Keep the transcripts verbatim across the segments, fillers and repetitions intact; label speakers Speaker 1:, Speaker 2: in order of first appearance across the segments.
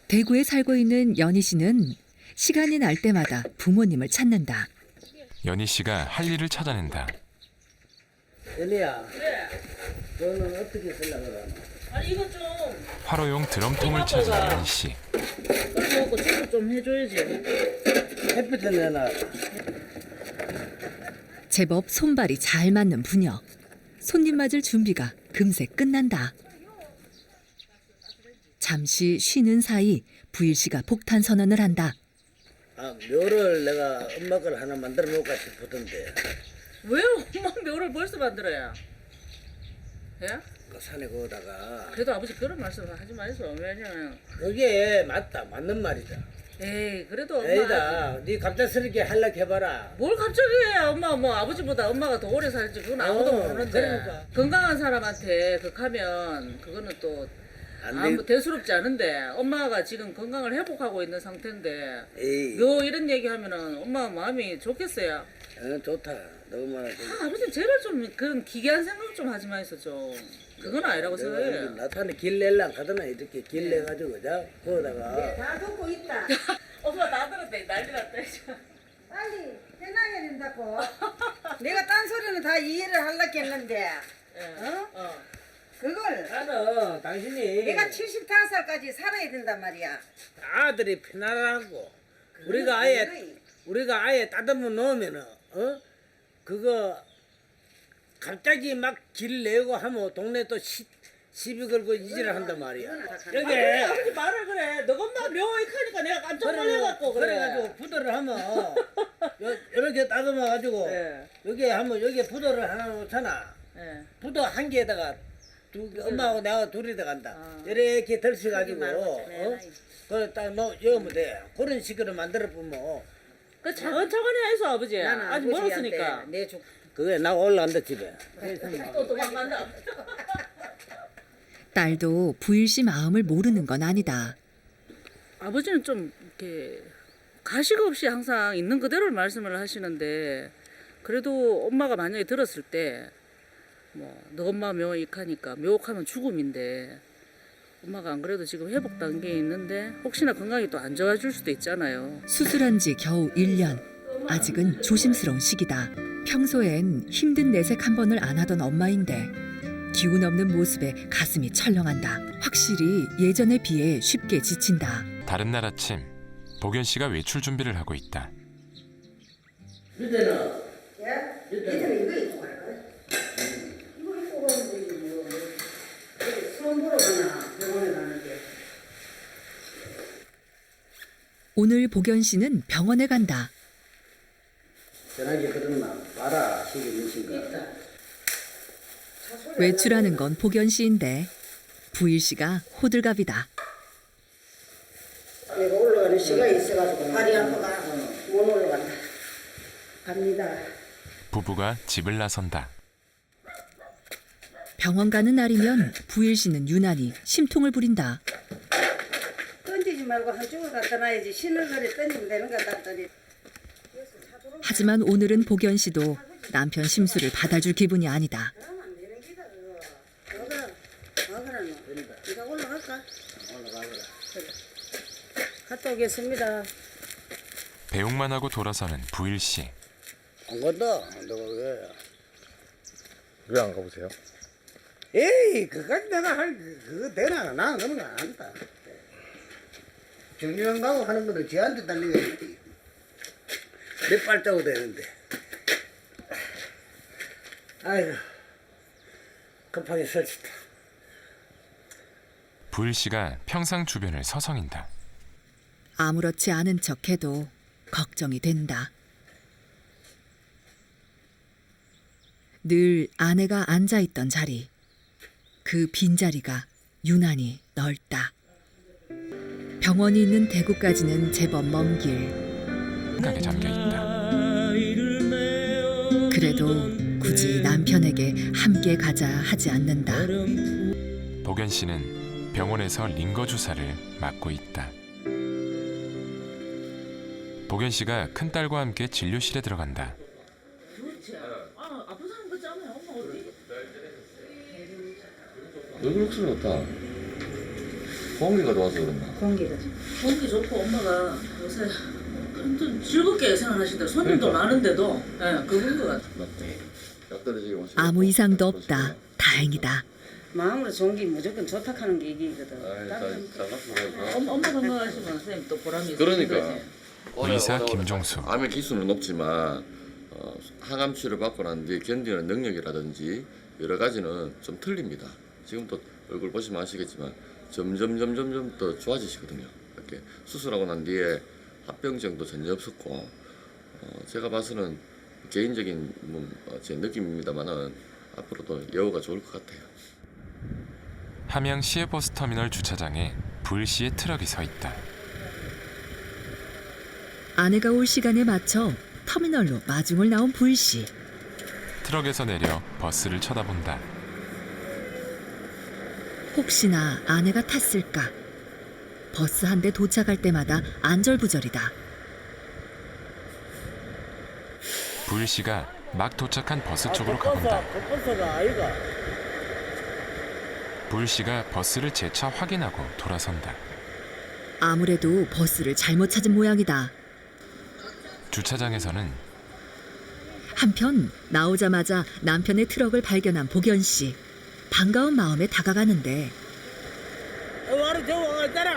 Speaker 1: 대구에 살고 있는 연희 씨는 시간이 날 때마다 부모님을 찾는다.
Speaker 2: 연희 씨가 할 일을 찾아낸다.
Speaker 3: 연희야, 너는 어떻게 쓰려고 그러나?
Speaker 4: 아니 이거 좀
Speaker 2: 화로용 드럼통을 찾은 연희 씨.
Speaker 4: 그래갖고 제거 좀 해줘야지.
Speaker 3: 햇빛에 내놔.
Speaker 1: 제법 손발이 잘 맞는 부녀. 손님 맞을 준비가 금세 끝난다. 잠시 쉬는 사이 부일 씨가 폭탄 선언을 한다.
Speaker 3: 아, 묘를 내가 엄마 걸 하나 만들어 놓을까 싶었던데.
Speaker 4: 왜 엄마 묘를 벌써 만들어야? 예?
Speaker 3: 그 산에 거다가
Speaker 4: 그래도 아버지 그런 말씀을 하지 마세요. 왜냐면
Speaker 3: 그게 맞다, 맞는 말이다.
Speaker 4: 에이 그래도 엄마
Speaker 3: 에이다, 네 갑작스럽게 하려고 해봐라.
Speaker 4: 뭘 갑자기 해? 엄마 뭐 아버지보다 엄마가 더 오래 살지 그건 아무도
Speaker 3: 어,
Speaker 4: 모르는데
Speaker 3: 그러니까.
Speaker 4: 건강한 사람한테 극하면 그거는 또
Speaker 3: 안
Speaker 4: 아무
Speaker 3: 돼.
Speaker 4: 대수롭지 않은데 엄마가 지금 건강을 회복하고 있는 상태인데
Speaker 3: 에이,
Speaker 4: 묘 이런 얘기 하면은 엄마 마음이 좋겠어요.
Speaker 3: 어, 좋다. 너무나 좋다.
Speaker 4: 아, 아버지 제발 좀 그런 기괴한 생각 좀 하지 마이소 좀. 그건 아니라고
Speaker 3: 내가
Speaker 4: 생각해요.
Speaker 3: 나타내 길 내려고 하더나 이렇게 길 내가지고 자 거다가
Speaker 5: 다 듣고 있다.
Speaker 4: 엄마 나 들었대 난리 났다.
Speaker 5: 빨리 해놔야 된다고. 내가 딴 소리는 다 이해를 하려고 했는데
Speaker 4: 어? 어.
Speaker 5: 그걸
Speaker 3: 나는 당신이
Speaker 5: 내가 칠십오 살까지 살아야 된단 말이야.
Speaker 3: 아들이 편안하고 우리가 아예 우리가 아예 따듬어 놓으면은 어 그거 갑자기 막 길 내고 하면 동네 또 시, 시비 걸고 이지를 한단 말이야.
Speaker 4: 아니,
Speaker 3: 여기
Speaker 4: 아버지 말을 그래. 너 엄마 묘익 하니까 내가 깜짝 놀래갖고 그래.
Speaker 3: 그래가지고 부도를 하면 요, 이렇게 따듬어 가지고
Speaker 4: 예.
Speaker 3: 여기 하면 여기에 부도를 하나 놓잖아.
Speaker 4: 예.
Speaker 3: 부도 한 개에다가 두 개, 엄마하고 내가 둘이 들어간다.
Speaker 4: 아.
Speaker 3: 이렇게 덜쳐가지고
Speaker 4: 말고
Speaker 3: 어?
Speaker 4: 좀
Speaker 3: 그걸 딱 넣, 넣으면 돼. 그런 식으로 만들어 보면
Speaker 4: 그 차근차근히 해서 아버지.
Speaker 5: 나는
Speaker 4: 아직 멀었으니까.
Speaker 5: 아버지한테 내줘.
Speaker 3: 그게 나 올라간다 집에.
Speaker 4: 또 도망간다.
Speaker 1: 딸도 부일 씨 마음을 모르는 건 아니다.
Speaker 4: 아버지는 좀 이렇게 가식 없이 항상 있는 그대로 말씀을 하시는데 그래도 엄마가 만약에 들었을 때 뭐 너 엄마 묘익하니까 묘옥하면 죽음인데 엄마가 안 그래도 지금 회복 단계에 있는데 혹시나 건강이 또 안 좋아질 수도 있잖아요.
Speaker 1: 수술한 지 겨우 일 년. 아직은 조심스러운 시기다. 평소엔 힘든 내색 한 번을 안 하던 엄마인데 기운 없는 모습에 가슴이 철렁한다. 확실히 예전에 비해 쉽게 지친다.
Speaker 2: 다른 날 아침 복연 씨가 외출 준비를 하고 있다.
Speaker 3: 이때는
Speaker 5: 예? 이들은 이거 입고 갈 거야. 이거 입고 가면 되지 뭐. 수험 보러 가나 병원에 가는데.
Speaker 1: 오늘 복연 씨는 병원에 간다.
Speaker 3: 전화기 그러나 봐라 시기 몇인가.
Speaker 1: 외출하는 건 복연 씨인데 부일 씨가 호들갑이다.
Speaker 5: 내가 올라가는 시간이 있어가지고 다리 아파가 못 올라간다. 갑니다.
Speaker 2: 부부가 집을 나선다.
Speaker 1: 병원 가는 날이면 부일 씨는 유난히 심통을 부린다.
Speaker 5: 던지지 말고 한쪽을 갖다 놔야지. 신을 그래 던지면 되는 거다 던지.
Speaker 1: 하지만 오늘은 복연 씨도 남편 심술을 받아줄 기분이 아니다.
Speaker 5: 그러면 안 되는 기다 그거. 먹으라. 먹으라 너. 네가 올라갈까?
Speaker 3: 올라가거라.
Speaker 5: 그래. 갔다 오겠습니다.
Speaker 2: 배웅만 하고 돌아서는 부일 씨.
Speaker 3: 안 간다. 너가 왜?
Speaker 6: 왜 안 가보세요?
Speaker 3: 에이 그까지 내가 할 그- 그거 되나? 나는 그런 거 안 한다. 정류장 가고 하는 거는 쟤한테 달리겠지. 몇 발자국 되는데. 아이고 급하게 설치다.
Speaker 2: 부일 씨가 평상 주변을 서성인다.
Speaker 1: 아무렇지 않은 척해도 걱정이 된다. 늘 아내가 앉아있던 자리, 그 빈자리가 유난히 넓다. 병원이 있는 대구까지는 제법 먼 길.
Speaker 2: 생각에 잠겨 있다.
Speaker 1: 그래도 굳이 남편에게 함께 가자 하지 않는다.
Speaker 2: 복연 씨는 병원에서 링거 주사를 맞고 있다. 복연 씨가 큰딸과 함께 진료실에 들어간다.
Speaker 4: 아, 아픈 사람 같지 않아요? 엄마 어디?
Speaker 6: 얼굴 흑수는 없다.
Speaker 7: 공기가 좋아서 그런가?
Speaker 5: 공기가 좀.
Speaker 4: 공기 좋고 엄마가 요새 좀 즐겁게 생활하시더라고요. 손님도
Speaker 7: 그러니까.
Speaker 4: 많은데도 예, 그건 것 같아요.
Speaker 7: 맞대. 약 떨어지게 마시고.
Speaker 1: 아무 이상도 없다. 다행이다.
Speaker 5: 마음으로 좋은 게 무조건 좋다 하는 게 얘기거든.
Speaker 7: 아이,
Speaker 5: 다른
Speaker 7: 잘, 잘 갔어.
Speaker 4: 엄마, 엄마 건강하시면 선생님 또 보람이 있으신
Speaker 7: 그러니까.
Speaker 4: 거지.
Speaker 2: 의사 김종수.
Speaker 7: 암의 기술은 높지만 어, 항암 치료 받고 난 뒤에 견디는 능력이라든지 여러 가지는 좀 틀립니다. 지금 또 얼굴 보시면 아시겠지만 점점 점점 점 더 좋아지시거든요. 이렇게 수술하고 난 뒤에 합병증도 전혀 없었고 어, 제가 봐서는 개인적인 뭐, 어, 제 느낌입니다만은 앞으로도 여우가 좋을 것 같아요.
Speaker 2: 함양 시외버스터미널 주차장에 부일 씨의 트럭이 서 있다.
Speaker 1: 아내가 올 시간에 맞춰 터미널로 마중을 나온 부일 씨.
Speaker 2: 트럭에서 내려 버스를 쳐다본다.
Speaker 1: 혹시나 아내가 탔을까? 버스 한 대 도착할 때마다 안절부절이다.
Speaker 2: 부일 씨가 막 도착한 버스 쪽으로
Speaker 3: 아,
Speaker 2: 가본다.
Speaker 3: 그 버스가 아이가.
Speaker 2: 부일 씨가 버스를 재차 확인하고 돌아선다.
Speaker 1: 아무래도 버스를 잘못 찾은 모양이다.
Speaker 2: 주차장에서는
Speaker 1: 한편 나오자마자 남편의 트럭을 발견한 복연 씨. 반가운 마음에 다가가는데
Speaker 3: 어, 와리 저 와가 있잖아.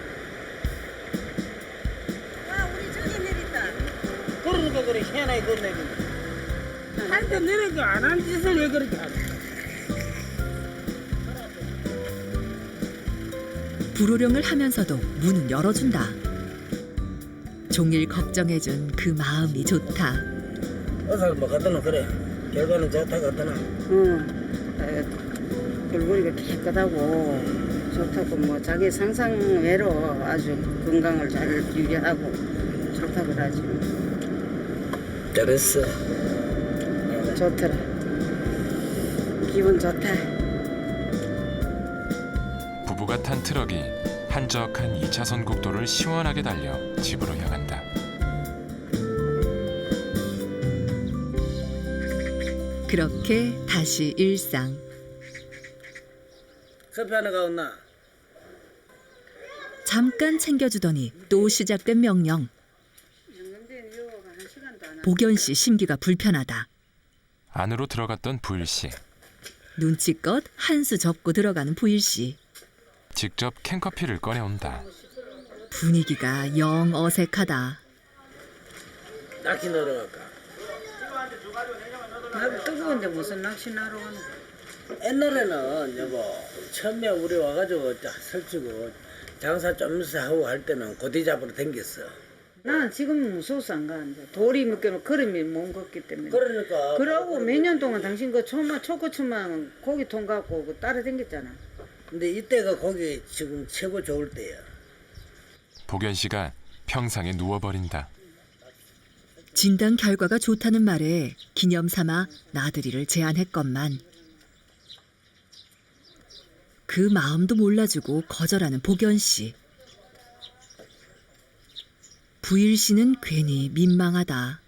Speaker 5: 아, 우리 저기 내렸다.
Speaker 3: 그러니까 그래 희한하게 그 내리네. 할때 내리니까 안 한 짓을 왜 그렇게 하냐.
Speaker 1: 불호령을 하면서도 문은 열어준다. 종일 걱정해준 그 마음이 좋다.
Speaker 3: 어서 뭐 갖다 놓 그래. 결과는 좋다 갖다 놔.
Speaker 5: 응. 얼굴이 깨끗하고 좋다고 뭐 자기 상상 외로 아주 건강을 잘 유지하고 좋다고 그러지.
Speaker 3: 잘했어.
Speaker 5: 좋더라. 기분 좋다.
Speaker 2: 부부가 탄 트럭이 한적한 이 차선 국도를 시원하게 달려 집으로 향한다.
Speaker 1: 그렇게 다시 일상.
Speaker 3: 커피 하나 가온나?
Speaker 1: 잠깐 챙겨주더니 또 시작된 명령. 복연 씨 심기가 불편하다.
Speaker 2: 안으로 들어갔던 부일 씨.
Speaker 1: 눈치껏 한 수 접고 들어가는 부일 씨.
Speaker 2: 직접 캔커피를 꺼내온다.
Speaker 1: 분위기가 영 어색하다.
Speaker 3: 낚시 놀러 갈까?
Speaker 5: 나도 뜨거운데 무슨 낚시나러 가노?
Speaker 3: 옛날에는 여보 처음에 우리 와가지고 자, 설치고 장사 좀 하고 할 때는 고기 잡으러 댕겼어.
Speaker 5: 나는 지금 무서워서 안 가는데 돌이 묶여놓고 걸음이 못 걷기 때문에.
Speaker 3: 그러니까
Speaker 5: 그러고 몇 년 동안 당신 그 초마 초코초만 고기통 갖고 그 따라댕겼잖아.
Speaker 3: 근데 이때가 고기 지금 최고 좋을 때야.
Speaker 2: 복연 씨가 평상에 누워버린다.
Speaker 1: 진단 결과가 좋다는 말에 기념 삼아 나들이를 제안했건만 그 마음도 몰라주고 거절하는 복연 씨. 부일 씨는 괜히 민망하다.